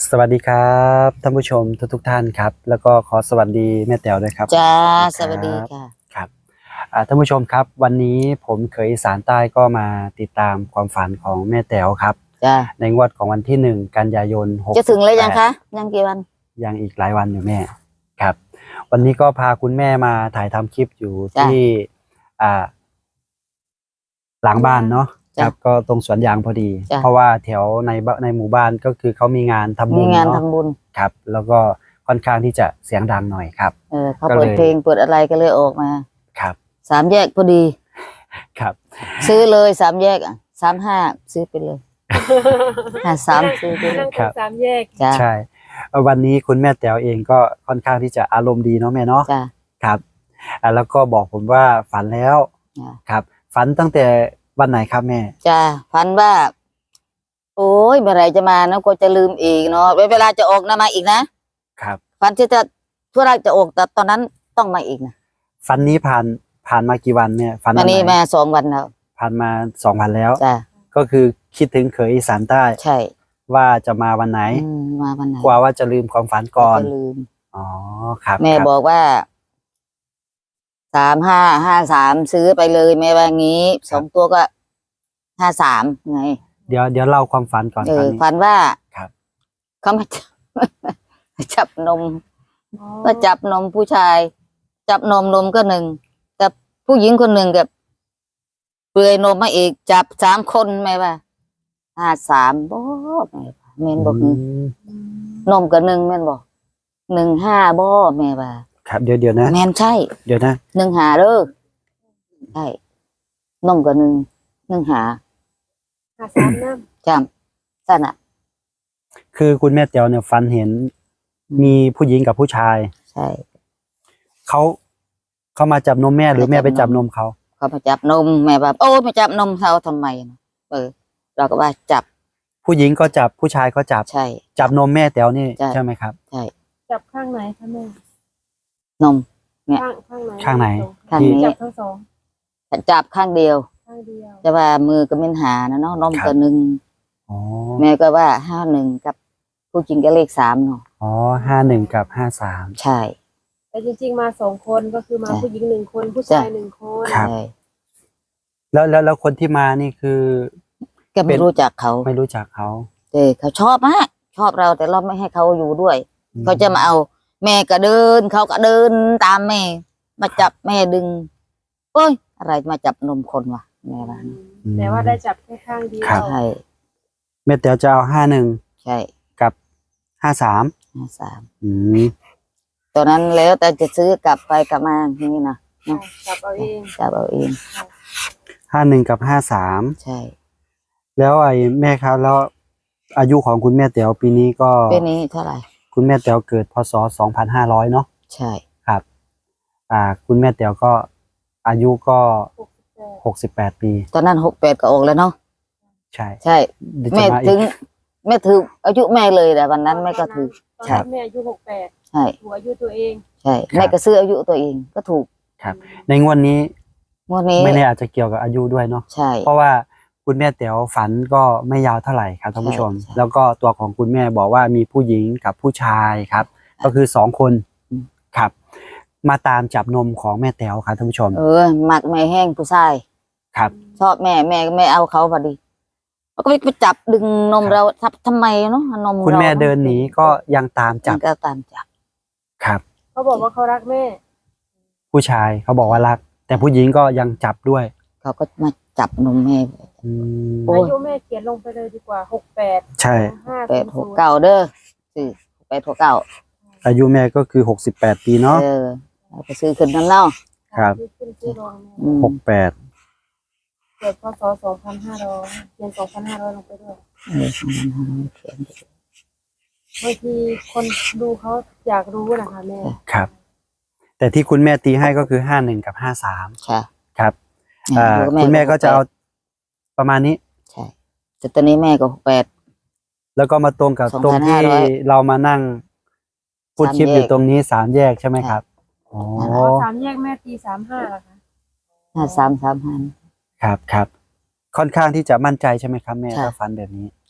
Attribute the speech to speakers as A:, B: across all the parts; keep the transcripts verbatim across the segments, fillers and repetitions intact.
A: สวัสดีครับท่านผู้ชมทุกทุกท่านครับแล้วก็ขอสวัสดีแม่แต๋วด้วยครับ
B: จ้าสวัสดีค่ะ
A: ครับท่านผู้ชมครับวันนี้ผมเคยอีสานใต้ก็มาติดตามความฝันของแม่แต๋วครับ
B: จ้า
A: ในงวดของวันที่หนึ่งกันยายนหก
B: จะถึงแล้วยังคะยังกี่วัน
A: ยังอีกหลายวันอยู่แม่ครับวันนี้ก็พาคุณแม่มาถ่ายทำคลิปอยู่ที่อ่าหลังบ้านเนาะครับก็ตรงสวนยางพอดีเพราะว่าแถวในในหมู่บ้านก็คือเขามีงานทำบุญ
B: มีงานทำบุญ
A: ครับแล้วก็ค่อนข้างที่จะเสียงดังหน่อยครับ
B: เออเขาเปิดเพลงเปิดอะไรก็เลยออกมา
A: ครับ
B: สามแยกพอดี
A: ครับ
B: ซื้อเลยสามแยกอ่ะสามห้าซื้อไปเลยห้าสามซื้อไปเลย
C: ครับสามแยก
A: ใช่วันนี้คุณแม่แต๋วเองก็ค่อนข้างที่จะอารมณ์ดีเนาะแม่เนาะครับแล้วก็บอกผมว่าฝันแล้วครับฝันตั้งแต่วันไหนครับแม่
B: จ้าฝันว่าโอ้ยเมื่อไรจะมานะก็จะลืมอีกเนาะเวลาจะออกนะมาอีกนะครับฝันที่จะทั่วราจะออกแต่ตอนนั้นต้องมาอีกนะ
A: ฝันนี้ผ่านผ่านมากี่วันเนี่ยฝัน
B: วันนี้มาสองวันแล้ว
A: ผ่านมาสองวันแล้ว
B: จ้า
A: ก็คือคิดถึงเขยอีสานใต้
B: ใช่
A: ว่าจะมาวันไหน
B: มาวันไหน
A: กลัวว่าจะลืมความฝันก่อน
B: ลืม
A: อ๋อครับ
B: แม่บอกว่าสามห้าห้าสามซื้อไปเลยแม่ว่างี้สองตัวก็ห้าสามไง
A: เดี๋ยวเดี๋ยวเล่าความฝันก่อน
B: เออฝันว่า
A: ครับ
B: เขามาจับนมก็จับนมผู้ชาย จับนมนมก็หนึ่งแต่ผู้หญิงคนหนึ่งกับเปลือยนมมาอีกจับสามคนแม่ว่าห้าสามบ่แม่แม่บอกนมกับหนึ่งแม่บอกหนึ่งห้าบ่แม่ว่า
A: ครับเดี๋ยวเดี๋ยวนะ
B: แม่นใช่
A: เดี๋ยวนะ
B: หนึ่งหาเด้อใช่นมกับหนึ่งหนึ่งหา
C: หาสามน้
B: ำจำสั่นอ่ะ
A: คือคุณแม่เตียวเนี่ยฝันเห็นมีผู้หญิงกับผู้ชาย
B: ใช่
A: เขาเขามาจับนมแม่หรือแม่ไปจับนมเขา
B: เขามาจับนมแม่แบบโอ้มาจับนมเขาทำไมเออเราก็ว่าจับ
A: ผู้หญิงก็จับผู้ชายก็จับ
B: ใช่
A: จับนมแม่เตียวนี่ใช่ไหมครับ
B: ใช่
C: จับข้างไหนคะแม่
B: นมเนี่ย
C: ข้างไหน
A: ข้างไหน
B: ข้างนี้
C: จับทั้งสอง
B: จับข้างเดียว
C: ข้างเดียว
B: จะว่ามือก็ไม่หานะเนาะนมก็หนึ่งแม่ก็ว่าห้าหนึ่งกับผู้จริงก็เลขสามเนาะ
A: อ๋อห้าหนึ่งกับห้าสาม
B: ใช่
C: แต่จริงๆมาสองคนก็คือมาผู้หญิงหนึ่งคนผู้ชายหนึ่งคน
A: ครับแล้วแล้วแล้วคนที่มานี่คือ
B: ก็ไม่รู้จักเขา
A: ไม่รู้จักเขา
B: แต่เขาชอบมากชอบเราแต่เราไม่ให้เขาอยู่ด้วยเขาจะมาเอาแม่ก็เดินเขาก็เดินตามแม่มาจับแม่ดึงโอ้ยอะไรมาจับนมคนวะแม่ว่า
C: แต่ว่าได้จับแค่ข้างเดียว
B: ใช่
A: แม่เตียวจะเอาห้าหนึ่ง
B: ใช่
A: กับห้าสาม
B: ห้าสาม
A: อืม
B: ตอนนั้นแล้วแต่จะซื้อกลับไปกลับมาอย่างนี้นะ
C: จับเอาเอง
B: จับเอาเอง
A: ห้าหนึ่งกับห้าสาม
B: ใช่
A: แล้วไอ้แม่ครับแล้วอายุของคุณแม่เตียวปีนี้ก็
B: ปีนี้เท่าไหร่
A: คุณแม่เตียวเกิดพศสองพันห้าร้อยเนาะ
B: ใช่
A: ครับอ่าคุณแม่เตียวก็อายุก็หกสิบแปดปี
B: ตอนนั้นหกแปดก็ออกแล้วเนาะ
A: ใช่
B: ใช่แม่ถึงแม่ถืออายุแม่เลยแต่วันนั้นแม่ก็ถือ
C: ใช่แม่อายุหกแปด
B: ใช่
C: หัวอายุตัวเอง
B: ใช่แม่ก็ซื้ออายุตัวเองก็ถูก
A: ครับในงวดนี้
B: งวดนี้
A: ไม่แน่อาจจะเกี่ยวกับอายุด้วยเนาะ
B: ใช่
A: เพราะว่าคุณแม่เต๋วฝันก็ไม่ยาวเท่าไหร่ครับท่านผู้ชมแล้วก็ตัวของคุณแม่บอกว่ามีผู้หญิงกับผู้ชายครับก็คือสองคนครับมาตามจับนมของแม่เต๋วครับท่านผู้ชม
B: เออหมักแม่แห้งผู้ชาย
A: ครับ
B: ชอบแม่แม่ไม่เอาเขาพอดีแล้วก็ไปจับดึงนมเราทับทำไมเนาะนม
A: คุณแม่เดินหนีก็ยังตามจับ
B: ก็ตามจับ
A: ครับ
C: เขาบอกว่าเขารักแม่
A: ผู้ชายเขาบอกว่ารักแต่ผู้หญิงก็ยังจับด้วย
B: เขาก็มาจับนมแม่
C: อายุแม่เขียนลงไปเลยดีกว่าหกแปด
A: ใช่
B: แปดหกเก้าเด้อสี่แปดหกเก้า
A: อายุแม่ก็คือหกสิบแปดปีเนาะ
B: เออเราไปซื้อขึ้นนั่นเนาะ
A: ครับหกแปด
C: เกิดพศสองพันห้าร้อยเขียนสองพันห้าร้อยลงไปด้วย
B: เออสองพันห้าร้อยเขียน
C: บางทีคนดูเขาอยากรู้นะคะแม่
A: ครับแต่ที่คุณแม่ตีให้ก็คือห้าหนึ่งกับห้าสาม
B: ค่ะ
A: ครับอ่าคุณแม่ก็จะเอาประมาณนี้
B: ใช่แต่ตอนนี้แม่ก็หกแปด
A: แล้วก็มาตรงกับตรงที่เรามานั่งพูดคลิปอยู่ตรงนี้สามแยกใช่ไหมครับ
C: อ๋อสามแยกแม่ตีสามห้าเหรอคะ
B: ห้าสามสามห้า
A: ครับครับค่อนข้างที่จะมั่นใจใช่ไหมครับแม่ถ้าฟันแบบนี้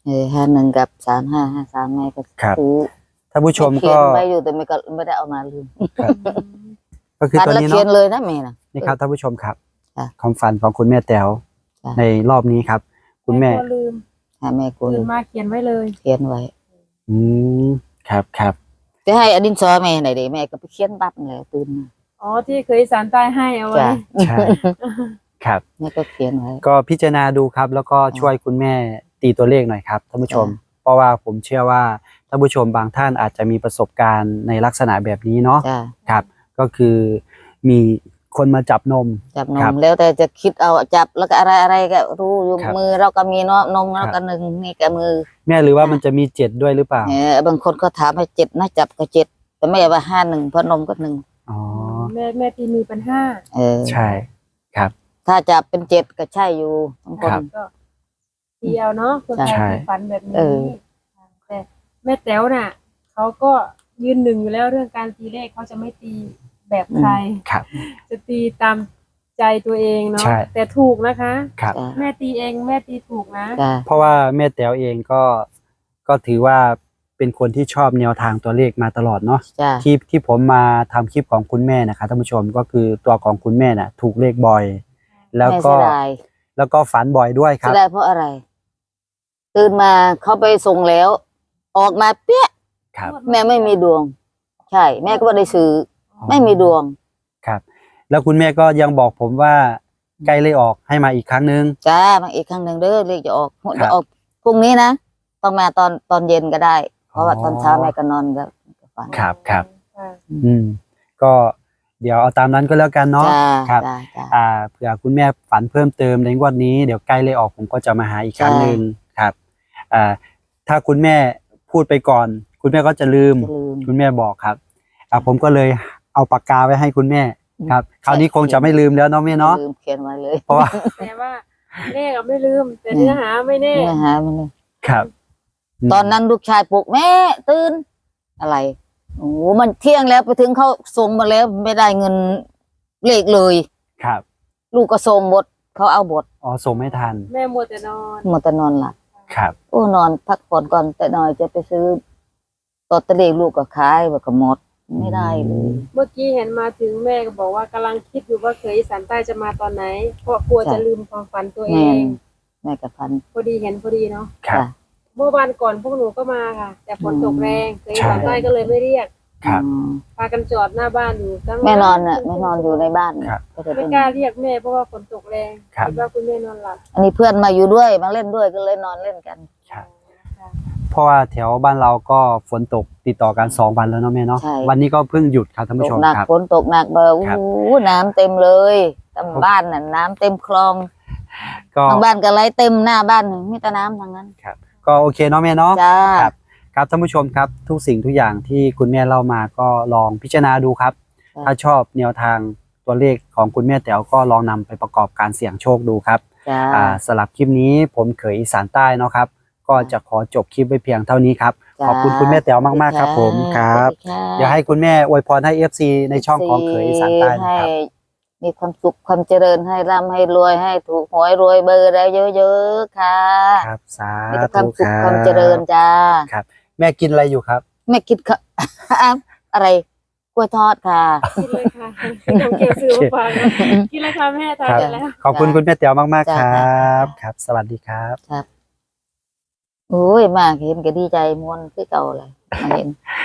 B: เออห้าหนึ่งกับสามห้าห้าสามแม่ก็
A: ครับ
B: ซื้อ
A: ท่านผู้ชม
B: แเขี
A: ก็
B: ยนไว้อยู่แต่ไม่ก็ไม่ได้เอามาลืม
A: ก็คือ
B: ฝัน
A: ตัว
B: แล้ว
A: นี้
B: เขียน
A: เนาะ
B: เลยนะแม่นะ
A: นี่ครับท่านผู้ชมครับ
B: ค่ะ
A: ความฝันของคุณแม่แต๋ว
B: ค่ะ
A: ในรอบนี้ครับ คุณแม่
C: ก็ลืม
B: ให้แม่กู
C: ตื่นมาเขียนไว้เลย
B: เขียนไว้
A: อืมครับครับ
B: จะให้อดินสอแม่ไหนเดี๋ยวแม่ก็ไปเขียนปั๊บเลยตื่นมา
C: อ๋อที่เคยสารใต้ให้เอาไว้
B: จ้ะ
A: ใช่ ครับ
B: แม่ก็เขียนไว้
A: ก็พิจารณาดูครับ แล้วก็ช่วยคุณแม่ตีตัวเลขหน่อยครับท่านผู้ชม
B: จ้ะ
A: เพราะว่าผมเชื่อว่าท่านผู้ชมบางท่านอาจจะมีประสบการณ์ในลักษณะแบบนี้เนาะ
B: จ้ะ
A: ครับ ก็คือมีคนมาจับนม
B: จับน
A: ครั
B: ม
A: บ
B: แล้วแต่จะคิดเอาจับแล้วก็อะไรอะไรก็รู้อยู่
A: ครับ
B: มือเราก็มีเนาะนม
A: ครั
B: เรา
A: บ
B: ก็หนึ่งนี่ก็มือ
A: แม่หรือว่า
B: ค่ะ
A: มันจะมีเจ็ดด้วยหรือเปล่า
B: เออบางคนก็ถามให้เจ็ดนะจับก็เจ็ดแต่ไม่ว่าห้าหนึ่งเพราะนมก็หนึ่ง
A: อ๋อ
C: แม่แม่ตีมีปัญหา
B: เออ
A: ใช่ครับ
B: ถ้าจับเป็นเจ็ดก็ใช่อยู่บางค
A: ครั
B: น
A: บ
C: ก็ตีเอาเนาะคนไทย
A: ใช่
C: ที่ฝันแบบนี้
B: เออ
C: แต่แม่แต๋วน่ะเขาก็ยืนหนึ่งอยู่แล้วเรื่องการตีเลขเขาจะไม่ตีแบบใคร
A: ครับ
C: จะตีตามใจตัวเองเนาะ
A: ใช่
C: แต่ถูกนะคะ
A: ครับ
B: จ้ะ
C: แม่ตีเองแม่ตีถูกนะ
B: จ้ะ
A: เพราะว่าแม่แต๋วเองก็ก็ถือว่าเป็นคนที่ชอบแนวทางตัวเลขมาตลอดเนาะ
B: จ้ะ
A: ที่ที่ผมมาทำคลิปของคุณแม่นะครับท่านผู้ชมก็คือตัวของคุณแม่น่ะ ถูกเลขบ่อย แล้ว
B: แม่
A: ก็
B: เสียดาย
A: แล้วก็ฝันบ่อยด้วยค
B: เสี
A: รับ
B: ยดายเพราะอะไร ตื่นมาเขาไปส่งแล้ว ออกมาเปี้ย
A: ครับ
B: แม่ไม่มีดวง ใช่ แม่ก็ไม่ได้ซื้ออไม่มีดวง
A: ครับ แล้วคุณแม่ก็ยังบอกผมว่าใกล้เลขออกให้มาอีกครั้งนึง
B: จ้ามาอีกครั้งหนึ่งเด้อเลขจะออก
A: ครับ
B: จะออกพรุ่งนี้นะต้องมาตอนตอนเย็นก็ได้ เพราะว่า
A: อ๋อ
B: ตอนเช้าแม่ก็นอนก็ก็ฝัน
A: ครับครับ
C: ค่ะ
A: อืม ก็เดี๋ยวเอาตามนั้นก็แล้วกันเนาะ
B: จ้า
A: ครับ
B: จ้าจ้า
A: อ่าเผื่อคุณแม่ฝันเพิ่มเติมในงวดนี้เดี๋ยวใกล้เลขออกผมก็จะมาหาอีกครั้ง
B: ใช่
A: หนึ่งครับ อ่า ถ้าคุณแม่พูดไปก่อน คุณแม่ก็จะลืม
B: จะลืม
A: คุณแม่บอกครับอ่าผมก็เลยเอาปากกาไว้ให้คุณแม่ครับ คราวนี้คงจะไม่ลืมแล้วเนาะแม่เนาะ
B: ลืมเขียนไว้เลย
A: เพราะว่า
C: แต่ว่าเลขอะไม่ลืม แต่เนื้อหาไม่แน่
B: เนื้อหามันเลย
A: ครับ
B: ตอนนั้นลูกชายปลุกแม่ตื่นอะไรโอ้โหมันเที่ยงแล้วไปถึงเขาส่งมาแล้วไม่ได้เงินเลขเลย
A: ครับ
B: ลูกก็ส่งบทเขาเอาบท
A: อ๋อส่งไม่ทัน
C: แม่มัวแต่นอน
B: หมดแต่นอนหลับ
A: ครับ
B: โอ้นอนพักผ่อนก่อนแต่หน่อยจะไปซื้อตอตเตอรี่ลูกก็ขายว่าก็หมดไม่ได้เลย
C: เมื่อกี้เห็นมาถึงแม่ก็บอกว่ากำลังคิดอยู่ว่าเคยอีสานใต้จะมาตอนไหน เพราะกลัวจะลืมความฝันตัวเอ
B: แม่
C: ง
B: แม่กับพัน
C: พอดีเห็นพอดีเนาะ
A: ครับ
B: จ้ะ
C: เมื่อวันก่อนพวกหนูก็มาค่ะ แต่ฝนตกแรงเคยอีสาน
A: ใช่
C: ใต้ก็เลยไม่เรียก
A: ครับ
B: อืม
C: พากันจอดหน้าบ้านอยู่ตั้ง
B: แม่นอนน่ะแม่นอนอยู่ในบ้าน
A: ครับ
B: ก็จะ
C: ไม่
B: เป็น
C: กล้าเรียกแม่เพราะว่าฝนตกแรง
A: ครับ
C: คิดว่าคุณแม่นอนหลับ
B: อันนี้เพื่อนมาอยู่ด้วยมาเล่นด้วยก็เลยนอนเล่นกัน
A: ครับ
C: ค่ะ
A: เพราะว่าแถวบ้านเราก็ฝนตกติดต่อกันสองวันแล้วเนาะแม่เนาะ
B: ใช่
A: วันนี้ก็เพิ่งหยุดครับท่าน
B: ต
A: ผู้
B: ก
A: ชม
B: หนัก
A: ครับ
B: ฝนตกหนักเบอร์โอ้
A: ครับ
B: โหน้ำเต็มเลยตามบ้านน่ะน้ำเต็มคลอง
A: ก็
B: ทางบ้านก็ไหลเต็มหน้าบ้านมีแต่น้ำทางนั้น
A: ครับ ก็โอเคเนาะแม่เนาะ
B: จ้า
A: ครับ ครับท่านผู้ชมครับทุกสิ่งทุกอย่างที่คุณแม่เล่ามาก็ลองพิจารณาดูครับ
B: ครับ
A: ถ้าชอบแนวทางตัวเลขของคุณแม่แต๋วก็ลองนำไปประกอบการเสี่ยงโชคดูครับ
B: จ้า
A: อ่าสำหรับคลิปนี้ผมเขยอีสานใต้เนาะครับ ก็จะขอจบคลิปไว้เพียงเท่านี้ครับ ขอบคุณคุณแม่แต๋วมากๆครับผมครับ
B: สวัสดีค่ะ
A: เดี๋ยวให้คุณแม่อวยพรให้ เอฟ ซี ในช่องของเขยอีสานใต้นะ
B: ให้
A: ครับ
B: มีความสุขความเจริญให้ร่ำให้รวยให้ถูกหวยรวยเบอร์ได้เยอะๆค่ะ
A: ครับสา
B: มีแต่ควา
A: ธุ
B: มสุ
A: ค
B: ข
A: รับ
B: ความเจริญจ้า
A: ครับ แม่กินอะไรอยู่ครับ
B: ไม่คิดค่ะ อะไรกล้วยทอดค่ะ
C: กินเลยค่ะทำเกี่ยวซื้อมาฝากนะกินเลยค่ะแม่ทาน
A: ครับ
C: ไปแล้ว
A: ขอบคุณคุณแม่แต๋วมากๆค
B: จ้า
A: รับ ครับ สวัสดีครับ
B: โอ้ยมากเห็นก็ดีใจมวนคือเก่าเลยมาเห็น